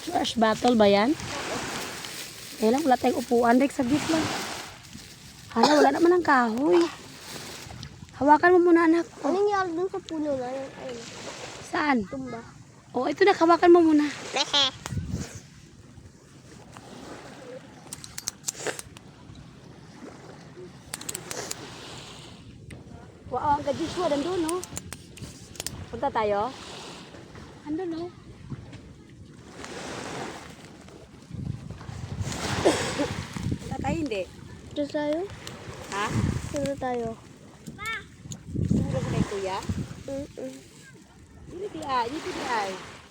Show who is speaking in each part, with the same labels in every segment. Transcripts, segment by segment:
Speaker 1: Trash battle ba yan? Kaya lang, wala tayong upuan. Rex, saglit lang. Hala, wala naman ang kahoy. Hawakan mo muna, anak.
Speaker 2: Anong nangyari dun sa puno na yun? Ayun,
Speaker 1: Saan?
Speaker 2: tumba.
Speaker 1: Oh, ito na, hawakan mo muna. Wow, ang gadiswa, nandun, no? Punta tayo? Andun, no? Punta tayo, hindi?
Speaker 2: Dito tayo?
Speaker 1: Ha?
Speaker 2: Dito tayo.
Speaker 1: Sumuro ko kay kuya?
Speaker 2: Mm-mm.
Speaker 1: Dito ay, dito ay.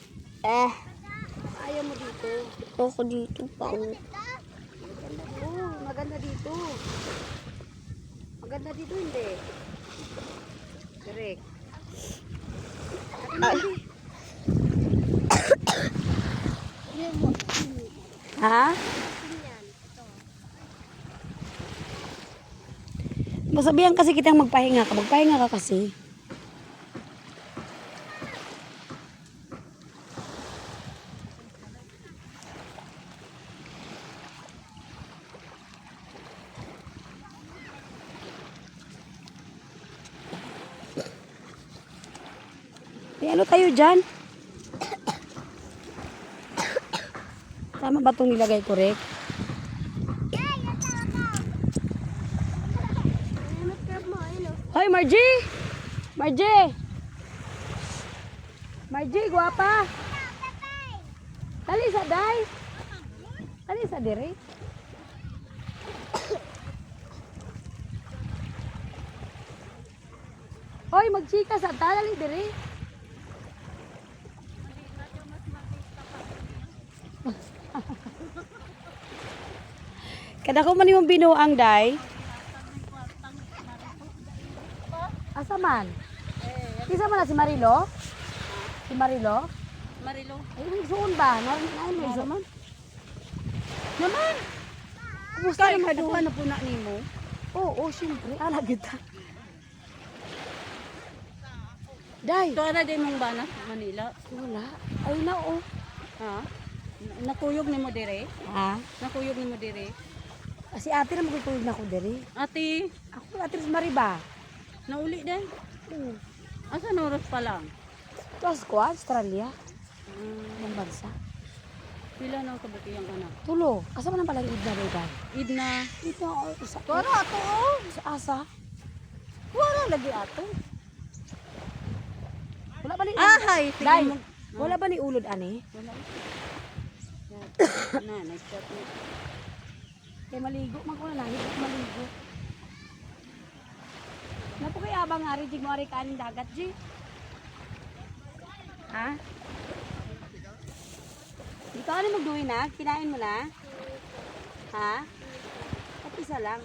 Speaker 1: Ayaw mo dito.
Speaker 2: Ako dito pa.
Speaker 1: Maganda po, maganda dito. Maganda dito, hindi? Correct. Ha? Masabihan kasi kitang magpahinga ka. Magpahinga ka kasi. May ano tayo dyan? Tama ba itong nilagay ko, Rick? Hoy, Margie! Margie! Margie, guwapa! Dali sa day! Dali sa diri! Hoy, magchika sa dali diri! Kada ko man yung binuang day. Asa man? Kisa man na si Marilo? Si Marilo?
Speaker 2: Marilo.
Speaker 1: Ay, nagsuon ba? Nain mo isa man? Naman! Kumusta
Speaker 2: Kaya
Speaker 1: naman
Speaker 2: kaduha
Speaker 1: po?
Speaker 2: na po na nimo.
Speaker 1: Oo, siyempre. Ala, kita. Day!
Speaker 2: Ito na din mong bana, Manila.
Speaker 1: Wala. Ay na, oh.
Speaker 2: Ha? Nakuyog ni mo dire?
Speaker 1: Ha?
Speaker 2: Nakuyog ni mo dire?
Speaker 1: Si ate na magtutulog na ako diri.
Speaker 2: Ate,
Speaker 1: Ako, ate si Mariba.
Speaker 2: nauli din.
Speaker 1: Oo.
Speaker 2: Asa oras pa lang?
Speaker 1: Tapos ko, Australia. Ibang bansa.
Speaker 2: Pila na kabuti ang anak.
Speaker 1: Tulo. Asa man ang palang id na, Day?
Speaker 2: Id na.
Speaker 1: Ito, oh, isa.
Speaker 2: Para ato oh.
Speaker 1: Sa asa.
Speaker 2: Wala lagi ato.
Speaker 1: Wala ba ni
Speaker 2: Ahay,
Speaker 1: Day,
Speaker 2: tingin mo.
Speaker 1: wala ba ni ulod, ani?
Speaker 2: Wala. Na, nice shot mo.
Speaker 1: Kaya maligo, man ko na lang. Higit maligo. Napo kay abang nga rin, mo ari kanin dagat, G. Ha? Ikaw ano magduwi na? Kinain mo na? Ha? At isa lang.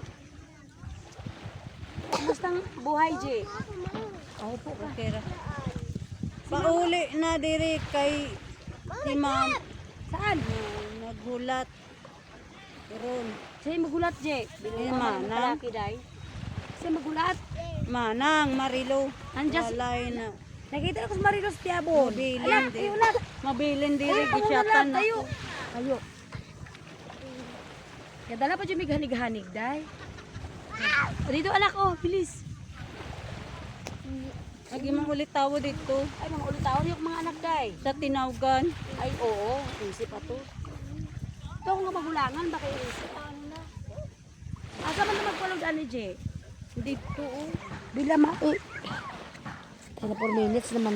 Speaker 1: Kumustang buhay, G? Oo po ka.
Speaker 2: Okay ra. Pauli na dire kay si ma'am.
Speaker 1: Saan?
Speaker 2: Naghulat. Ron.
Speaker 1: Siya magulat, G. Binili mo
Speaker 2: Manang.
Speaker 1: ng palaki, Day. Siya magulat.
Speaker 2: Manang, Marilo.
Speaker 1: Andiyan si-
Speaker 2: Walay na.
Speaker 1: Nakita na ko sa Marilos Tiabon.
Speaker 2: Mabilin
Speaker 1: Anak,
Speaker 2: din.
Speaker 1: ayun na.
Speaker 2: Mabilin dire
Speaker 1: Ay, ako na
Speaker 2: gisyatan
Speaker 1: lang,
Speaker 2: na.
Speaker 1: tayo. Tayo. Kadala pa dyan may ganig-hanig, Day. O, dito anak, oh, bilis.
Speaker 2: Lagi man ulit tawo dito
Speaker 1: Ay, mga ulit-tawon yung mga anak, Day.
Speaker 2: sa tinawgan.
Speaker 1: Ay, oo, isip pa to. Ito ako nga magulangan, baka iisip. Ano na? Asa man na magpalog, ano, J?
Speaker 2: Dito oh.
Speaker 1: Bila ma... 4 minutes naman.